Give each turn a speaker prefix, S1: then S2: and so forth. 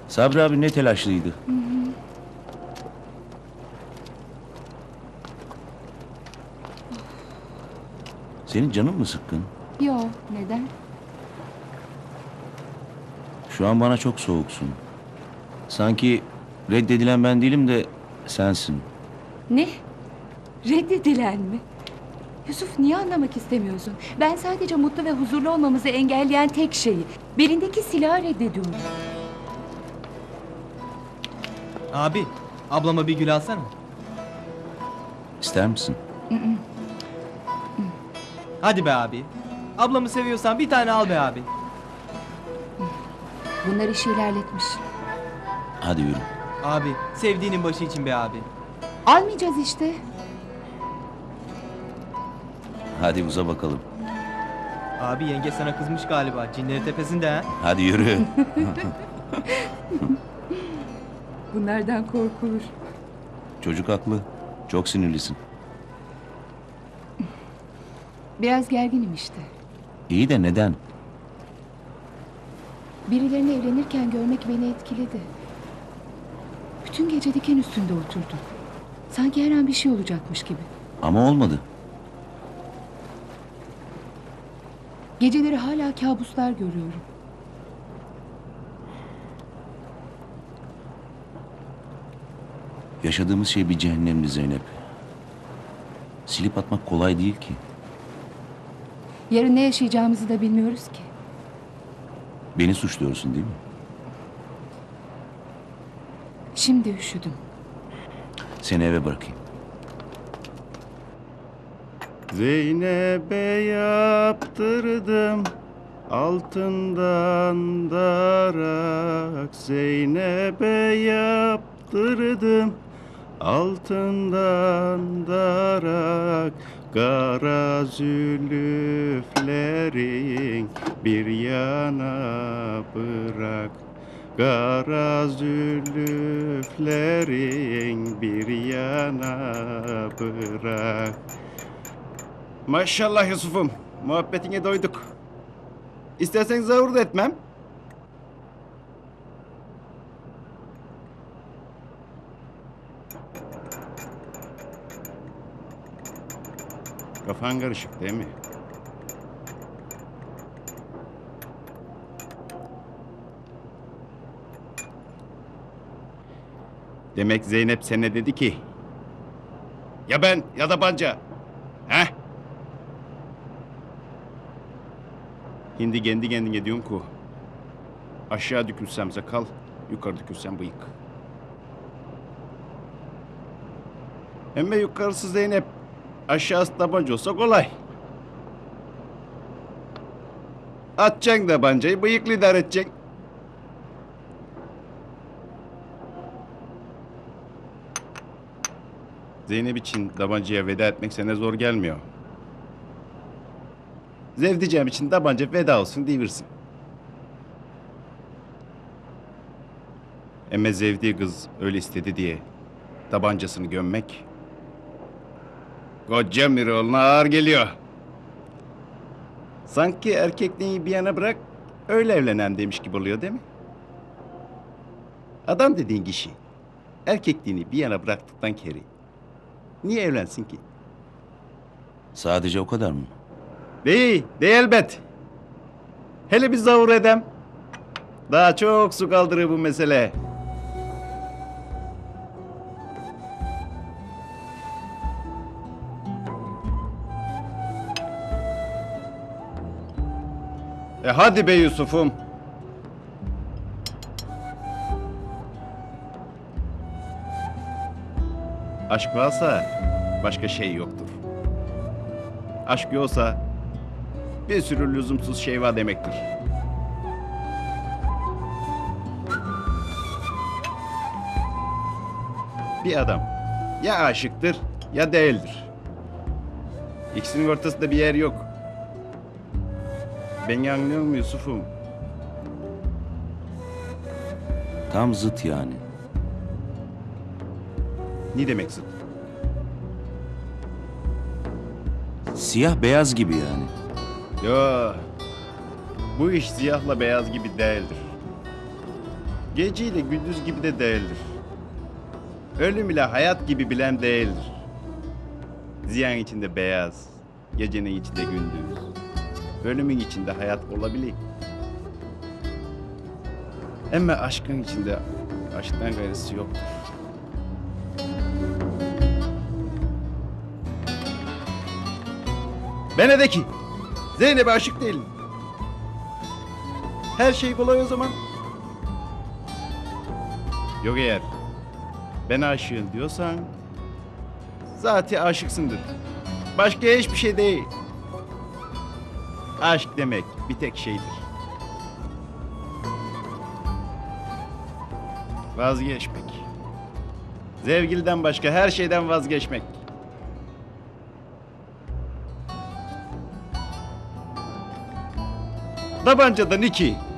S1: Sabri abi ne telaşlıydı. Senin canın mı sıkkın?
S2: Yo, neden?
S1: Şu an bana çok soğuksun. Sanki reddedilen ben değilim de sensin.
S2: Ne? Reddedilen mi? Yusuf, niye anlamak istemiyorsun? Ben sadece mutlu ve huzurlu olmamızı engelleyen tek şeyi, belindeki silahı reddediyorum.
S3: Abi, ablama bir gül alsana.
S1: İster misin?
S3: Hadi be abi. Ablamı seviyorsan bir tane al be abi.
S2: Bunlar işi ilerletmiş.
S1: Hadi yürü.
S3: Abi, sevdiğinin başı için be abi.
S2: Almayacağız işte.
S1: Hadi uza bakalım.
S3: Abi yenge sana kızmış galiba. Cinleri tepesinde ha.
S1: Hadi yürü.
S2: Bunlardan korkulur.
S1: Çocuk haklı. Çok sinirlisin.
S2: Biraz gerginim işte.
S1: İyi de neden?
S2: Birilerini evlenirken görmek beni etkiledi. Bütün gece diken üstünde oturdum. Sanki her an bir şey olacakmış gibi.
S1: Ama olmadı.
S2: Geceleri hala kabuslar görüyorum.
S1: Yaşadığımız şey bir cehennemdi Zeynep. Silip atmak kolay değil ki.
S2: Yarın ne yaşayacağımızı da bilmiyoruz ki.
S1: Beni suçluyorsun değil mi?
S2: Şimdi üşüdüm.
S1: Seni eve bırakayım.
S4: Zeynep'e yaptırdım altından darak. Zeynep'e yaptırdım altından darak. Kara zülüflerin bir yana bırak. Kara zülüflerin bir yana bırak. Maşallah Yusuf'um, muhabbetine doyduk. İstersen zavur da etmem. Kafan karışık değil mi? Demek Zeynep sana dedi ki... Ya ben ya da Banca. He? Hindi kendi kendine diyorsun ki... Aşağı dökülsem sakal, yukarı dökülsem bıyık. Hem de yukarısı Zeynep, aşağısı tabanca olsa kolay. Atacaksın tabancayı, bıyıklı idare edeceksin. Zeynep için tabancaya veda etmek sana zor gelmiyor. Zevdicem için tabanca veda olsun diyebilirsin. Ama zevdiği kız öyle istedi diye tabancasını gömmek... Koca Miroğlu'na ağır geliyor. Sanki erkekliği bir yana bırak, öyle evlenen demiş gibi oluyor değil mi? Adam dediğin kişi, erkekliğini bir yana bıraktıktan keri, niye evlensin ki?
S1: Sadece o kadar mı?
S4: Değil elbet. Hele bir zavur edem. Daha çok su kaldırır bu mesele. Hadi be Yusuf'um. Aşk varsa başka şey yoktur. Aşk yoksa bir sürü lüzumsuz şey var demektir. Bir adam ya aşıktır ya değildir. İkisinin ortasında bir yer yok. Beni anlıyor musun Yusuf'um?
S1: Tam zıt yani.
S4: Ne demek zıt?
S1: Siyah beyaz gibi yani.
S4: Yo, bu iş siyahla beyaz gibi değildir. Geceyle gündüz gibi de değildir. Ölüm ile hayat gibi bilen değildir. Ziyan içinde beyaz, gecenin içinde gündüz. Ölümün içinde hayat olabilir. Ama aşkın içinde aşktan gayrısı yoktur. Bana de ki, Zeynep'e aşık değilim. Her şey kolay o zaman. Yok eğer ben aşığım diyorsan zaten aşıksındır. Başka hiçbir şey değil. Aşk demek bir tek şeydir. Vazgeçmek. Sevgiliden başka her şeyden vazgeçmek. Tabancadan iki.